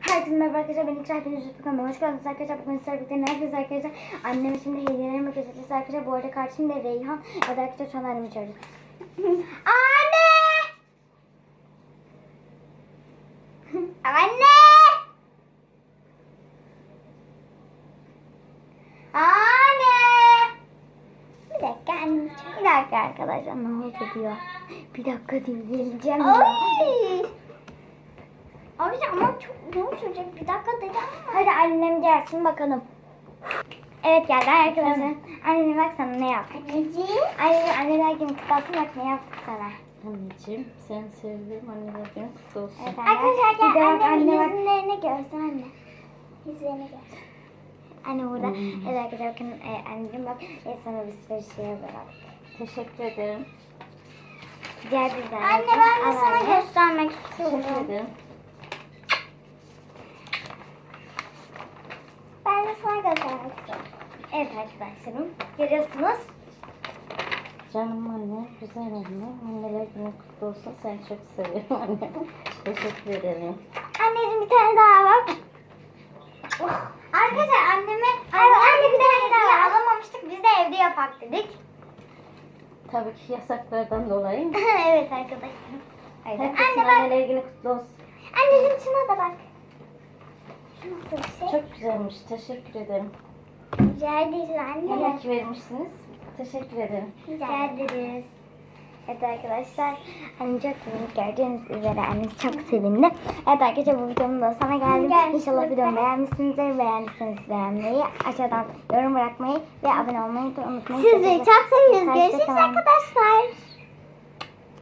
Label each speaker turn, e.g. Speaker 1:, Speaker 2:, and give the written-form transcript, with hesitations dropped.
Speaker 1: Herkese merhaba arkadaşlar, ben İkra, hepiniz YouTube kanalıma hoş geldiniz arkadaşlar. Bugün sizlerle birlikte ne yapıyoruz arkadaşlar? Anneme şimdi hediyelerimi göstereceğiz arkadaşlar. Bu arada karşımda Reyhan. Evet arkadaşlar, şu an annemi çağırıyoruz. Anne! Anne! Anne! Bir dakika annem. Bir dakika arkadaşlar, ne oldu diyor. Bir dakika diyor, geleceğim diyor. Abi ama çok uzun sürecek. Bir dakika dedim. Hadi annem gelsin bakalım. Evet geldi arkadaşlar. Annene bak sana ne yaptı. Anneciğim. Anneler günü kutlu olsun, bak ne yaptık sana.
Speaker 2: Anneciğim sen sevdim, anneler günü kutlu olsun.
Speaker 1: Evet, arkadaşlar gel annem yüzlerini görsün anne. Yüzlerini görsün. Anne burada. Evet arkadaşlar bakın anneciğim bak sana bir sürü şey bırak.
Speaker 2: Teşekkür ederim.
Speaker 1: Gel bizden. Anne ben de sana göstermek istiyorum.
Speaker 2: Teşekkür ederim.
Speaker 1: Ben de sana göstermek istiyorum. Evet arkadaşlarım görüyorsunuz.
Speaker 2: Canım anne, güzel anne. Anneler günü kutlu olsun. Seni çok seviyorum anne. Teşekkür ederim.
Speaker 1: Anneciğim bir tane daha bak. Arkadaşlar anne bir tane daha alamamıştık. Biz de evde yapak dedik.
Speaker 2: Tabii ki yasaklardan dolayı.
Speaker 1: Evet arkadaşlar.
Speaker 2: Herkesin
Speaker 1: Anne bak.
Speaker 2: anneler günü kutlu olsun.
Speaker 1: Anneciğim şuna da bak. Şu nasıl bir şey?
Speaker 2: Çok güzelmiş. Teşekkür ederim.
Speaker 1: Rica ederiz anne.
Speaker 2: İyi ki vermişsiniz. Teşekkür ederim.
Speaker 1: Rica ederiz. Evet arkadaşlar, annem çok sevindi. Gördüğünüz üzere annem çok sevindi. Evet arkadaşlar, bu videomun da sana geldim. İnşallah videomu beğenmişsinizdir. Beğendiyseniz beğenmeyi, aşağıdan yorum bırakmayı ve abone olmayı da unutmayın.
Speaker 3: Sizi çok seviyoruz. Görüşürüz
Speaker 1: Hoşça kalın.
Speaker 3: arkadaşlar.